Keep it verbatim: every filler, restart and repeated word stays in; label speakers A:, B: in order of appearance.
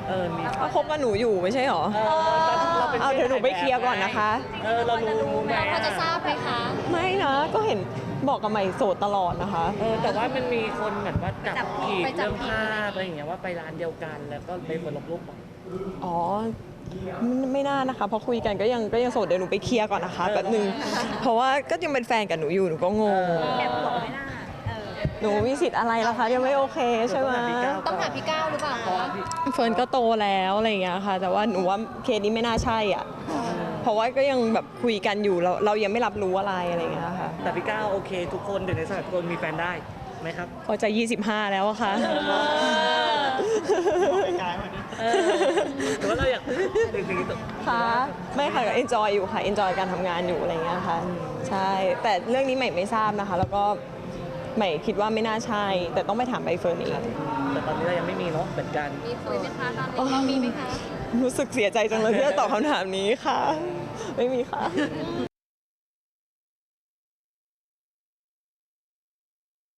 A: เออมี
B: เขาคบกับหนูอยู่ไม่ใช่หรอ
A: เออเราเป็น
B: เอาเดี๋ยวหนูไปเคลียร์ก่อนนะคะ
A: เออเรารู้ไหม
C: เราพอจะทราบไหมคะ
B: ไม่นะก็เห็นบอกกับใหม่โสดตลอดนะคะ
A: เออแต่ว่ามันมีคนเหมือนว่าจับ
C: จับผิ
A: ผิ
C: ด
A: ด
C: ไปจั
A: เรื่
C: บ
A: อง
C: ผิด
A: ภาพอะไรอย่างเงี้ยว่าไปร้านเดียวกันแล้วก็ไปเปิดลบรูป
B: อ๋อไม่ไม่น่านะคะเพราะคุยกันก็ยังก็ยังโสดเดี๋ยวหนูไปเคลียร์ก่อนนะคะแป๊บนึงเพราะว่าก็ยังเป็นแฟนกับหนูอยู่หนูก็งง
C: แอบบอกไม่น่าเออ
B: หนูมีสิทธิ์อะไรล่ะคะยังไม่โอเคใช่ไหม
C: ต้องถามพี่ก้าวหรือเปล่าคะ
B: เฟิร์นก็โตแล้วอะไรอย่างเงี้ยค่ะ แต่ว่าหนูว่าเคสนี้ไม่น่าใช่อ่ะเพราะว่าก็ยังแบบคุยกันอยู่เราเรายังไม่รับรู้อะไรอะไรอย่างเงี้ยค่ะ
A: แต่พี่ก้าวโอเคทุกคนเดี๋ยวในสถานทุกคนมีแฟนได้ไหมครับ
B: พอจะยี่สิบห้าแล้วอะค่ะ
A: เออหรือว่าเราอยากถึงถึง
B: ค่ะไม่ค่ะก็ enjoy อยู่ค่ะ enjoy การทำงานอยู่อะไรอย่างเงี้ยค่ะใช่แต่เรื่องนี้ใหม่ไม่ทราบนะคะ แล้วก็ใหม่คิดว่าไม่น่าใช่ แต่ต้องไปถามใบเฟิร์นเอง
A: แต่ตอนนี้เรายังไม่มีเนาะเหมือนกัน
C: มีคุยไหมคะตอนนี้มีไหมคะ
B: รู้สึกเสียใจจังเลยที่จะตอบคำถามนี้ค่ะ ไม่มีค่ะ